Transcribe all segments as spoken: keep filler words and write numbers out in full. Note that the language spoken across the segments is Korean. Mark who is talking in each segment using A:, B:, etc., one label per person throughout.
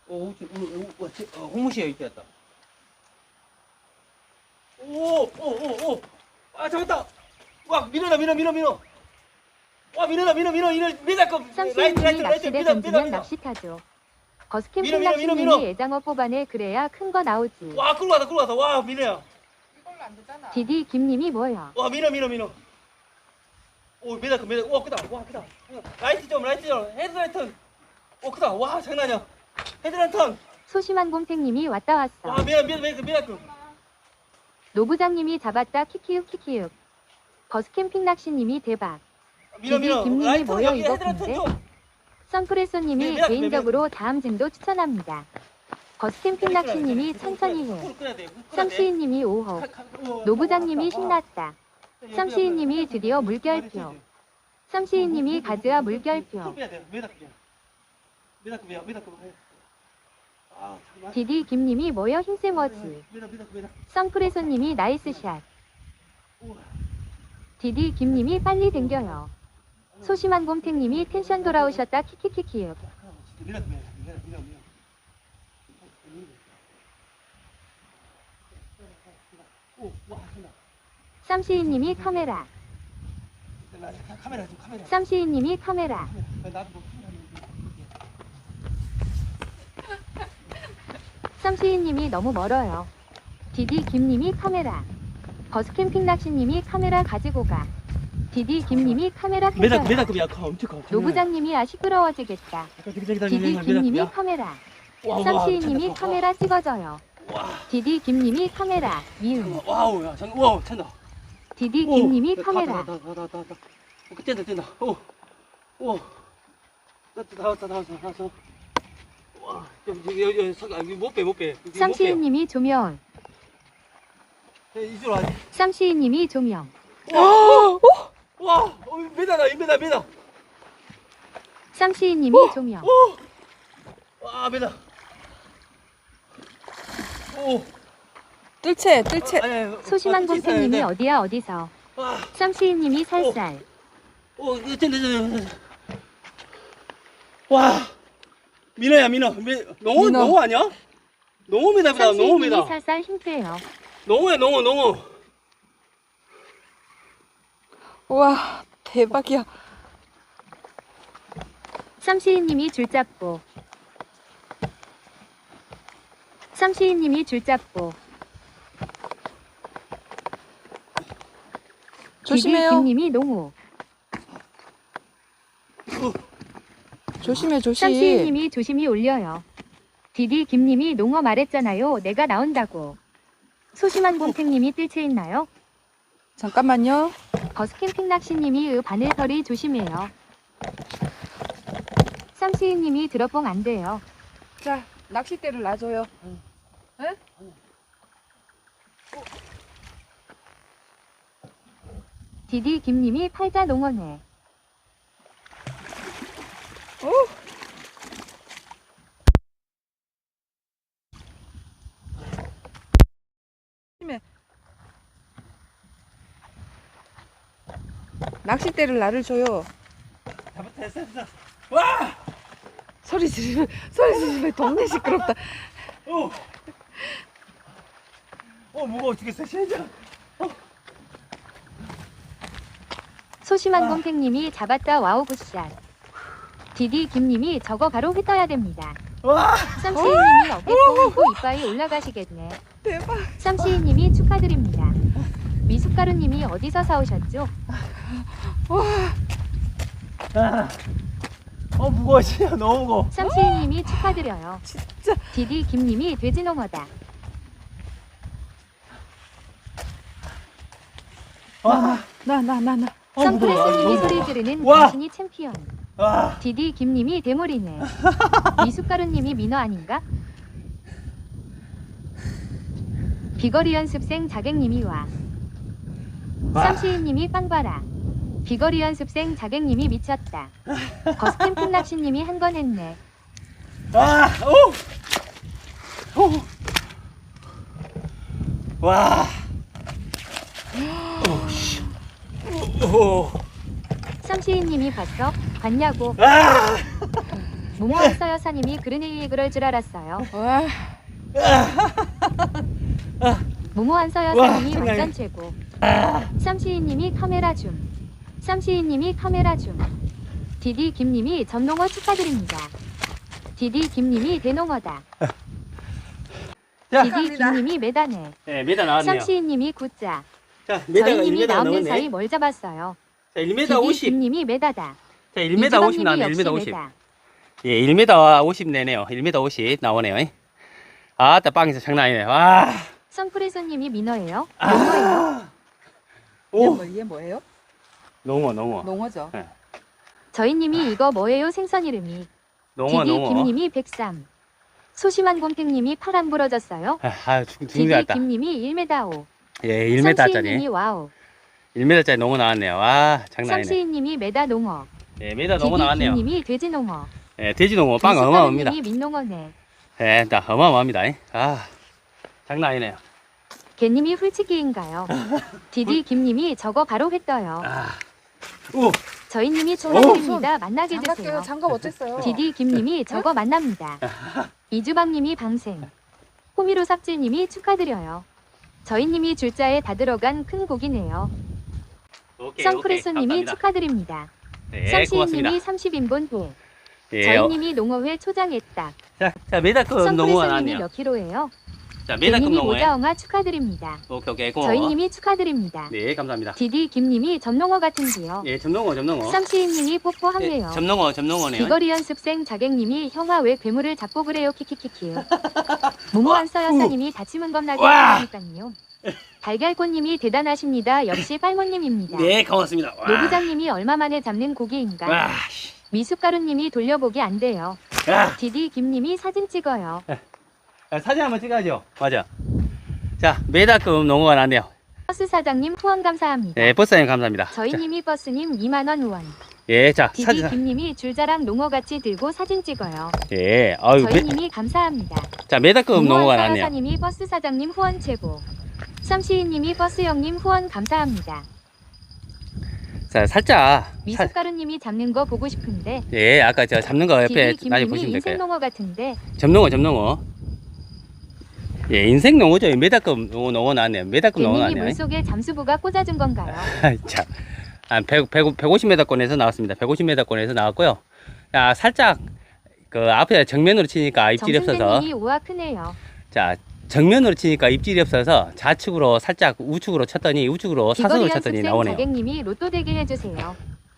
A: 오, 홍무시에 이렇게 했다. 오, 오, 오, 오. 아, 잡았다. 와, 밀어라, 밀어, 밀어, 밀어. 와, 밀어라, 밀어, 밀어, 밀어. 밀어라,
B: 쌈씨님이 낚시대 던지면 낚시 타죠. 거스캠핑 낚시님이 애장어 뽑아내 그래야 큰 거 나오지.
A: 와, 끌고 가다, 끌고 가다. 와, 밀어야.
C: 이걸로 안 되잖아.
B: 디디 김님이 뭐야?
A: 와, 밀어, 밀어, 밀어. 오, 밀어, 밀어. 와, 크다. 와, 크다. 라이트 좀, 라이트 좀. 헤드라이트. 오, 크다. 와, 장난 아니야. 헤드라이트.
B: 소심한 곰탱님이 왔다 왔어.
A: 와, 밀어, 밀어, 밀어, 밀어.
B: 노부장님이 잡았다 키키육 키키육. 거스캠핑 낚시님이 대박.
A: 밀어, 밀어.
B: 김님이
A: 라이트
B: 뭐여
A: 여기
B: 이거
A: 헤드라이트
B: 근데?
A: 좀.
B: 선프레소님이
A: 네, 네,
B: 개인적으로 다음 증도 추천합니다. 거스캠핑 낚시님이 천천히 해. 쌈시인님이 오호. 노부장님이 신났다. 쌈시인님이 드디어 물결표. 쌈시인님이 가즈아 물결표. 디디 김님이 뭐여 힘세머지. 선프레소님이 나이스샷. 디디 김님이 빨리 댕겨요. 소심한 곰탱님이 텐션 돌아오셨다 키키키키요. 쌈시인님이 카메라. 쌈시인님이 카메라. 쌈시인님이 너무 멀어요. 디디 김님이 카메라. 버스캠핑 낚시님이 카메라 가지고 가. 디디 김님이 카메라 켜줘요.
A: 메다급이야. 엄청 커.
B: 노부장님이 아 시끄러워지겠다. 디디 김님이 카메라. 쌈시인님이 카메라 찍어줘요. 디디 김님이 카메라. 미음.
A: 와우, 야, 장, 와우, 찬다.
B: 디디 김님이 카메라.
A: 뛴다, 뛴다. 오, 오, 다 왔다, 다 왔어, 다 왔어. 와, 여기, 여기, 여기, 못 빼, 못 빼.
B: 쌈시인님이 조명.
A: 이쪽으로 와야지.
B: 쌈시인님이 조명.
A: 와, 와, 메다다, 메다, 메다.
B: 쌈시인님이 조명.
A: 와, 메다. 오,
C: 뜰채, 뜰채.
B: 소심한 곰탱님이 어디야 어디서. 쌈시인님이 살살.
A: 오, 이거 된다, 된다. 와, 민호야, 민호. 농어,
C: 민호.
A: 농어 아니야? 농어입니다, 농어입니다.
B: 쌈시인님이 살살 힘빼요.
A: 농어야, 농어, 농어.
C: 우와, 대박이야.
B: 쌈시인님이 줄 잡고. 쌈시인님이 줄 잡고.
C: 조심해요.
B: 디디 김님이 농우.
C: 조심해, 조심.
B: 쌈시인님이 조심히 올려요. 디디 김님이 농어 말했잖아요. 내가 나온다고. 소심한 곰탱님이 뜰채 있나요?
C: 잠깐만요.
B: 거스캠핑 낚시님이 으 바늘털이 조심해요. 쌈시인님이 드롭봉 안 돼요.
C: 자, 낚싯대를 놔줘요. 응?
B: 디디 김님이 팔자 농어네.
C: 오! 조심해. 낚싯대를 나를 줘요.
A: 잡았다, 됐어, 됐어. 와!
C: 소리 지르면, 소리 지르면 동네 시끄럽다.
A: 오! 어, 무거워 죽겠어, 진짜.
B: 소심한
A: 아.
B: 곰탱님이 잡았다 와우 굿샷. 디디 김님이 저거 바로 휘떠야 됩니다.
A: 와!
B: 쌈시인님이 어깨 뽕이고 이빨이 올라가시겠네.
C: 대박.
B: 쌈시인님이 축하드립니다. 미숫가루님이 어디서 사오셨죠?
C: 와,
A: 아. 어, 무거워, 진짜 너무 무거워.
B: 쌈시인님이 축하드려요.
C: 진짜.
B: 디디 김님이 돼지농어다.
A: 와!
C: 나, 나, 나, 나.
A: 어, 무거워.
B: 선프레스님이
A: 너무
B: 소리 지르는
A: 와.
B: 당신이 챔피언.
A: 와!
B: 디디 김님이 대머리네. 미숫가루님이 민어 아닌가? 비거리 연습생 자객님이 와.
A: 와.
B: 쌈시인님이 빵봐라. 비거리 연습생 자객님이 미쳤다. 거스캠핑 낚시님이 한 건 했네.
A: 와! 오! 오! 와! 오, 씨. 오!
B: 쌈시인님이 봤어? 봤냐고.
A: 아!
B: 모모한서 여사님이 그러니 그럴 줄 알았어요.
C: 와.
B: 모모한서
A: 와,
B: 여사님이
A: 장난
B: 완전
A: 아니야.
B: 최고. 쌈시이님이 카메라 줌. 쌈시이님이 카메라 줌. 디디 김님이 전농어 축하드립니다. 디디 김님이 대농어다.
A: 자,
B: 디디 김님이 메다네.
A: 네, 메다 나왔네요.
B: 쌈시이님이 굿자.
A: 자, 메다가
B: 저희님이
A: 일 미터
B: 나오는
A: 넘었네.
B: 사이 뭘 잡았어요.
A: 자, 일 미터
B: 디디
A: 오십.
B: 김님이 메다다.
A: 자, 일 미터 오십 나왔네. 일 미터 오십. 예, 일 미터 오십 내네요. 일 미터 오십 나오네요. 아, 따 빵에서 장난 아니네. 와.
B: 선프레소님이 민어예요?
A: 아.
B: 농어예요?
C: 이게,
A: 오.
C: 뭐, 이게 뭐예요?
A: 농어, 농어.
C: 농어죠.
A: 네.
B: 저희님이 이거 뭐예요? 생선 이름이.
A: 농어,
B: 디디
A: 농어.
B: 김님이 백삼. 소심한 곰탱님이 팔 안 부러졌어요?
A: 아, 아 죽, 죽는 줄
B: 디디
A: 알았다.
B: 김님이 일 미터 오.
A: 예, 일 미터짜리.
B: 삼시이님이 와우.
A: 일 미터짜리 농어 나왔네요. 와, 장난 아니네.
B: 삼시이님이 메다 농어.
A: 예, 메다 농어
B: 디디
A: 나왔네요.
B: 김님이 돼지 농어.
A: 예, 돼지 농어 빵 어마어마합니다.
B: 미숫가루님이 민농어네.
A: 예, 나 어마어마합니다. 아, 장난 아니네요.
B: 개님이 훌치기인가요? 디디 김님이 저거 바로 했어요.
A: 아, 오,
B: 저희님이 초라드립니다. 만나게
C: 장갑
B: 해주세요.
C: 껴요. 장갑 어땠어요?
B: 디디 김님이 저거 만납니다. 이주방님이 방생. 호미로 삽질님이 축하드려요. 저희님이 줄자에 다 들어간 큰 고기네요.
A: 오케이,
B: 선크레소님이
A: 오케이, 감사합니다.
B: 축하드립니다.
A: 네,
B: 쌈시이님이
A: 고맙습니다.
B: 삼십 인분 도.
A: 예, 어,
B: 저희님이 농어회 초장했다.
A: 자, 자, 메다급 농어가
B: 선크레소님이
A: 나왔네요.
B: 몇 킬로예요?
A: 자, 메다급
B: 개님이
A: 농어에.
B: 모자엉아 축하드립니다.
A: 오케이, 오케이, 고마워.
B: 저희님이 축하드립니다.
A: 네, 감사합니다.
B: 디디 김님이 점농어 같은데요.
A: 예, 점농어, 점농어.
B: 쌈시이님이 뽀뽀 한대요.
A: 예, 점농어, 점농어네요.
B: 비거리 연습생 자객님이 형아 왜 괴물을 잡고 그래요 키키키키. 모모한서 여사님이 다치면 겁나게
A: 와!
B: 하니까요. 달걀꽃님이 대단하십니다. 역시 빨모님입니다.
A: 네, 고맙습니다. 와.
B: 노부장님이 얼마 만에 잡는 고기인가?
A: 와, 씨.
B: 미숫가루님이 돌려보기 안 돼요.
A: 야,
B: 디디 김님이 사진 찍어요.
A: 야, 사진 한번 찍어야죠. 맞아. 자, 메다급 농어가 나왔네요.
B: 버스 사장님 후원 감사합니다.
A: 네, 버스님 감사합니다. 자,
B: 저희님이 버스님 이만 원 후원.
A: 예, 자,
B: 디디
A: 사진.
B: 김님이 줄자랑 농어같이 들고 사진 찍어요.
A: 예, 아유, 메,
B: 저희님이 감사합니다.
A: 자, 메다급 농어가 나왔네요.
B: 사장님이 버스 사장님 후원 최고. 쌈시이님이 버스 형님 후원 감사합니다.
A: 자, 살짝. 살,
B: 미숫가루님이 잡는 거 보고 싶은데.
A: 예, 아까 저 잡는 거 옆에
B: 디디
A: 많이
B: 김님이
A: 보시면 될
B: 인생
A: 거예요.
B: 농어 같은데.
A: 점농어, 점농어. 예, 인생 농어죠. 메다급 농어, 농어 나왔네요. 메다급 농어
B: 개님이
A: 나왔네요.
B: 물속에 잠수부가 꽂아준 건가요?
A: 자, 한 백, 백, 백오십 미터권에서 나왔습니다. 백오십 미터권에서 나왔고요. 야, 살짝 그 앞에 정면으로 치니까 입질이 없어서.
B: 정승재님이 우와 크네요.
A: 자, 정면으로 치니까 입질이 없어서 좌측으로 살짝 우측으로 쳤더니 우측으로 사선으로
B: 비거리
A: 쳤더니
B: 연습생
A: 나오네요.
B: 자객님이 로또 대기 해주세요.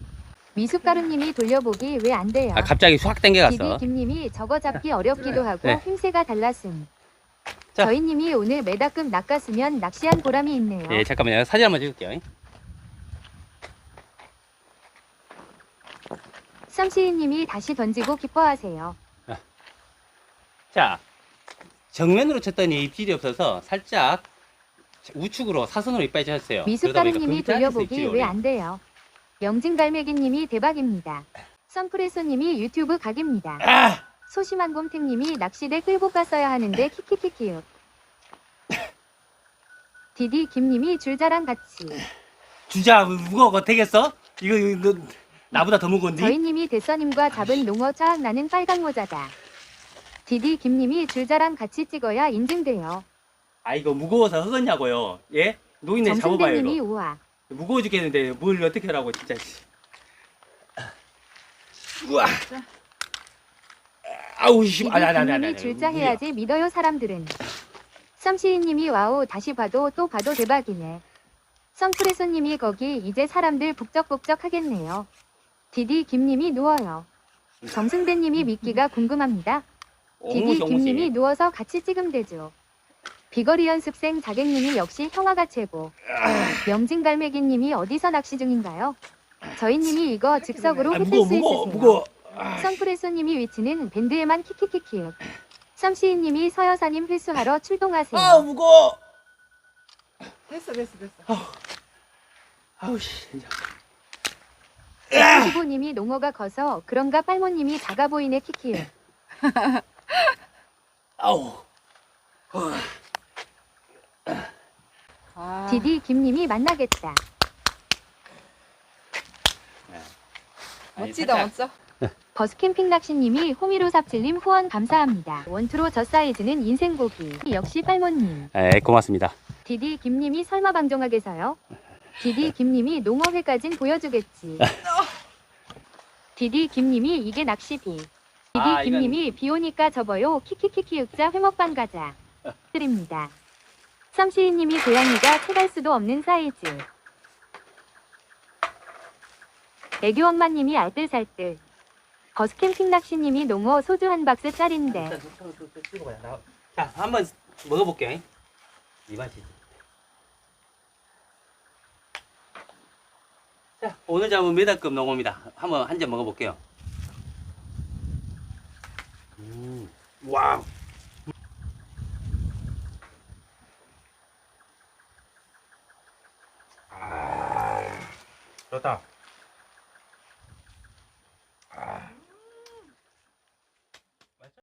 B: 미숫가루님이 돌려보기 왜 안 돼요?
A: 아, 갑자기 확
B: 디디
A: 당겨갔어.
B: 김님이 저거 잡기 어렵기도 하고
A: 네.
B: 힘새가 달랐음.
A: 자.
B: 저희님이 오늘 메다급 낚았으면 낚시한 보람이 있네요.
A: 예, 잠깐만요. 사진 한번 찍을게요.
B: 쌈시이님이 다시 던지고 기뻐하세요.
A: 자, 정면으로 쳤더니 입질이 없어서 살짝 우측으로 사선으로 이빨이 쳤어요.
B: 미숫가루님이 돌려보기 왜 안 돼요? 명진갈매기님이 대박입니다. 선프레소님이 유튜브 각입니다.
A: 아!
B: 소심한 곰탱님이 낚시대 끌고 갔어야 하는데 키키키키요. 디디 김님이 줄자랑 같이.
A: 주자 무거워 되겠어? 이거, 이거 너, 나보다 더 무거운데?
B: 저희님이 대서님과 잡은 농어 차악 나는 빨강 모자다. 디디 김님이 줄자랑 같이 찍어야 인증돼요.
A: 아, 이거 무거워서 흑었냐고요? 예? 노인네 잡아봐요.
B: 정승대님이
A: 이거.
B: 우와.
A: 무거워 죽겠는데 뭘 어떻게 하라고 진짜. 우와. 아우 씨.
B: 디디
A: 아니 아니 아니 아니.
B: 김님이 줄자 해야지 믿어요 사람들은. 썸시이님이 와우 다시 봐도 또 봐도 대박이네. 선프레소님이 거기 이제 사람들 북적북적 하겠네요. 디디 김님이 누워요. 정승대님이 미끼가 궁금합니다. 디디 김님이 누워서 같이 찍으면 되죠. 비거리 연습생 자객님이 역시 형아가 최고. 명진갈매기님이 어디서 낚시 중인가요? 저희님이 이거 즉석으로
A: 아,
B: 해줄
A: 무거워
B: 수
A: 무거워
B: 있으세요.
A: 무거워.
B: 선프레소님이 위치는 밴드에만 키키키키. 썸시이님이 서여사님 회수하러 출동하세요.
A: 아 무거워.
C: 됐어 됐어 됐어.
A: 아우 씨. 진짜.
B: 백구십오님이 농어가 커서 그런가 빨모님이 작아 보이네 키키.
A: 아우.
C: 아,
B: 디디 김님이 만나겠다.
C: 멋지다 멋져.
B: 버스캠핑 낚시님이 호미로 삽질님 후원 감사합니다. 원투로 저 사이즈는 인생고기. 역시 팔모님.
A: 에, 고맙습니다.
B: 디디 김님이 설마 방종하게서요? 디디 김님이 농어회까진 보여주겠지. 디디 김님이 이게 낚시비. 디디
A: 아, 이건-
B: 김님이 비 오니까 접어요. 키키키키 윽자 회먹방 가자. 드립니다. 썸시이님이 고양이가 채갈 수도 없는 사이즈. 애교 엄마님이 알뜰살뜰. 버스캠핑 낚시님이 농어 소주 한 박스 짜린데.
A: 자, 한번 먹어볼게. 이 맛이지. 자, 오늘 잡은 메다급 농어입니다. 한번 한 잔 먹어볼게요. 음, 와우.
D: 좋다.